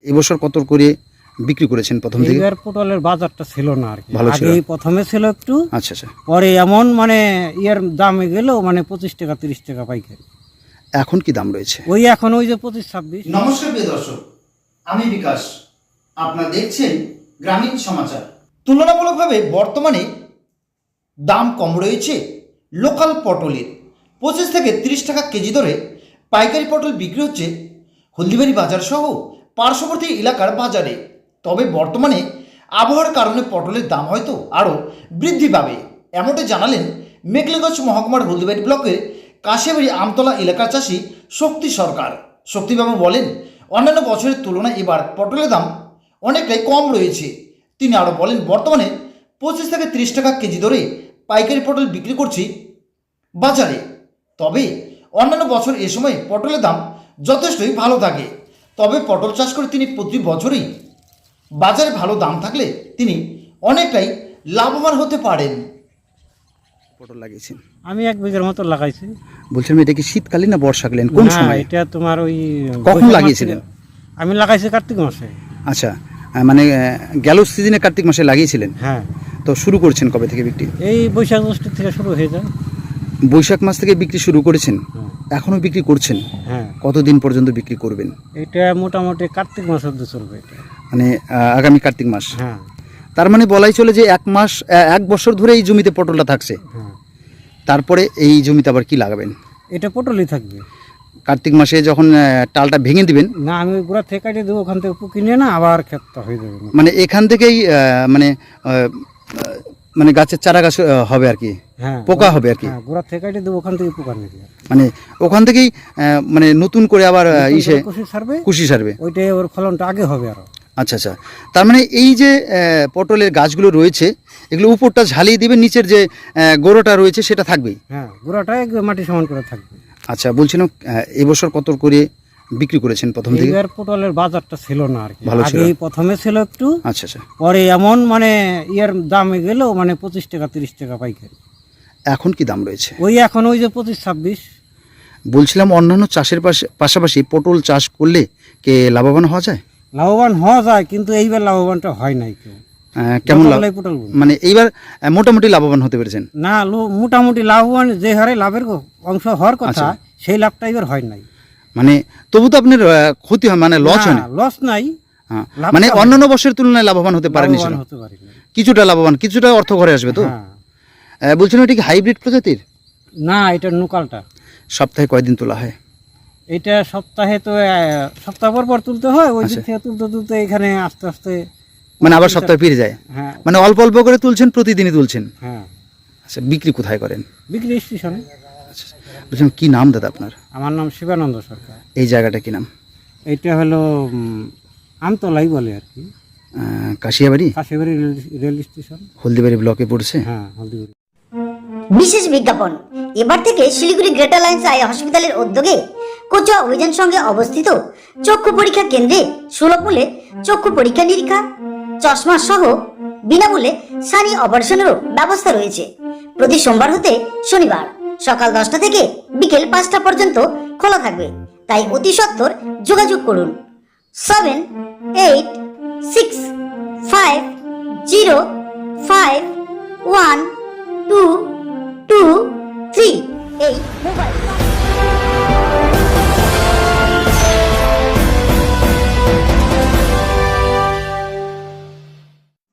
এবছর কত করে বিক্রি করেছেন প্রথম থেকে? এবার পটলের বাজারটা ছিল না আর কি, ভালো ছিল। আগে প্রথমে ছিল একটু, আচ্ছা আচ্ছা। পরে এমন মানে ইয়ের দামে গেল মানে 25 টাকা 30 টাকা পাইকারি। এখন কি দাম রয়েছে? ওই এখন ওই যে 25-26। নমস্কার প্রিয় দর্শক, আমি বিকাশ, আপনারা দেখছেন গ্রামীণ সমাচার। তুলনামূলকভাবে বর্তমানে দাম কম রয়েছে লোকাল পটলের। 25 থেকে 30 টাকা কেজি দরে পাইকারি পটল বিক্রি হচ্ছে হলদিবাড়ি বাজার সহ পার্শ্ববর্তী এলাকার বাজারে। তবে বর্তমানে আবহাওয়ার কারণে পটলের দাম হয়তো আরও বৃদ্ধি পাবে, এমনটাই জানালেন মেঘলেগঞ্জ মহকুমার হলদিবাড়ি ব্লকের কাশিয়াবাড়ি আমতলা এলাকার চাষি শক্তি সরকার। শক্তিবাবু বলেন, অন্যান্য বছরের তুলনায় এবার পটলের দাম অনেকটাই কম রয়েছে। তিনি আরও বলেন, বর্তমানে 25 থেকে 30 টাকা কেজি দরে পাইকারি পটল বিক্রি করছি বাজারে। তবে অন্যান্য বছর এ সময় পটলের দাম যথেষ্টই ভালো থাকে। তবে পটল চাষ করে তিনি প্রতি বছরই বাজারে ভালো দাম থাকলে তিনি অনেকটাই লাভবান হতে পারেন। পটল লাগিয়েছেন? আমি 1 বিঘার মতো লাগাইছি। বলছিলাম, এটা কি শীতকালীন না বর্ষাকালীন, কোন সময়? এটা তোমার ওই কখন লাগিয়েছিলেন? আমি লাগাইছি কার্তিক মাসে। আচ্ছা, মানে গেল সিজনে কার্তিক মাসে লাগিয়েছিলেন? হ্যাঁ। তো শুরু করছেন কবে থেকে বিক্রি? এই বৈশাখ জ্যৈষ্ঠ থেকে শুরু হয়ে যায়। বৈশাখ মাস থেকে বিক্রি শুরু করেছেন? এখনো বিক্রি করছেন? হ্যাঁ। কতদিন পর্যন্ত বিক্রি করবেন? এটা মোটামুটি কার্তিক মাস অবধি চলবে এটা, মানে আগামী কার্তিক মাস। হ্যাঁ। তার মানে বলাই চলে যে 1 বছর ধরে এই জমিতে পটলটা থাকছে। হ্যাঁ। তারপরে এই জমিতে আবার কি লাগাবেন? এটা পটলই থাকবে। কার্তিক মাসে যখন টালটা ভেঙে দিবেন? না, আমি গোড়া থেকে কাটিয়ে দেবো, ওখান থেকে পুকি নিয়ে না আবার ক্ষেতটা হয়ে যাবে। মানে এখান থেকেই মানে গাছের চারা গাছ হবে আর কি? হ্যাঁ, পোকা হবে আর কি? হ্যাঁ, গোড়া থেকে কাটিয়ে দেবো, ওখান থেকে পোকা নিয়ে মানে ওখান থেকেই মানে নতুন করে আবার কুশি সারবে। ওইটাই ওর ফলনটা আগে হবে আরো। আচ্ছা আচ্ছা। তার মানে এই যে পটলের গাছগুলো রয়েছে, এগুলো উপরটা ঝালিয়ে দিবেন, নিচের যে গোড়াটা রয়েছে সেটা থাকবেই? হ্যাঁ, গোড়াটা মাটি সমান করে থাকবে। আচ্ছা, বলছিলাম এবছর কত করে বিক্রি করেছেন প্রথম থেকে? এবার পটলের বাজারটা ছিল না আর কি, ভালো ছিল। আগে প্রথমে ছিল একটু, আচ্ছা আচ্ছা। পরে এমন মানে ইয়ের দামে গেল মানে 25 টাকা 30 টাকা পাইকারি। এখন কি দাম রয়েছে? ওই এখন ওই যে 25-26। বলছিলাম, অন্যান্য চাষের পাশাপাশি পটল চাষ করলে কে লাভবান হওয়া যায়? লাভবান হওয়া যায়, কিন্তু এইবার লাভবানটা হয় নাই কেউ। কেমন পটল মানে এইবার মোটামুটি লাভবান হতে পেরেছেন? না, মোটামুটি লাভবান যে হারে লাভের অংশ হওয়ার কথা, সেই লাভটা এবার হয় নাই। মানে তবু তো আপনার ক্ষতি হয়, মানে লস হয় না? লস নাই, মানে অন্যান্য বছরের তুলনায় লাভবান হতে পারেনি? কিছুটা লাভবান, কিছুটা অর্থ ঘরে আসবে তো? বলছিলাম, এটা কি হাইব্রিড প্রজাতির? না, এটা লোকালটা। সপ্তাহে কয়দিন তোলা হয়? এটা সপ্তাহে তো সপ্তাহ পর তুলতে হয়, ওই দিক থেকে তুলতে তুলতে এখানে আস্তে আস্তে মানে আবার সপ্তাহে ফিরে যায়? হ্যাঁ। মানে অল্প অল্প করে তুলছেন, প্রতিদিনই তুলছেন? হ্যাঁ। আচ্ছা, বিক্রি কোথায় করেন? বিক্রি স্টেশনে। আচ্ছা, বলছিলাম, কি নাম দাদা আপনার? আমার নাম শিবানন্দ সরকার। এই জায়গাটা কি নাম? এটা হলো আমতলাই বলে আর কি, কাশিয়াবাড়ি রেল স্টেশন, হলদিবাড়ি ব্লকে পড়ছে। হ্যাঁ, হলদিবাড়ি। বিশেষ বিজ্ঞাপন, এবার থেকে শিলিগুড়ি গ্রেটার লাইন্স আই হসপিটালের উদ্যোগে কোচুয়া অভিযান সঙ্গে অবস্থিত চক্ষু পরীক্ষা কেন্দ্রে সুলভ মূল্যে চক্ষু পরীক্ষা নিরীক্ষা, চশমা সহ বিনামূল্যে সানি অপারেশনেরও ব্যবস্থা রয়েছে। প্রতি সোমবার হতে শনিবার সকাল 10টা থেকে বিকেল 5টা পর্যন্ত খোলা থাকবে। তাই অতি সত্বর যোগাযোগ করুন 7865051223 এই মোবাইল।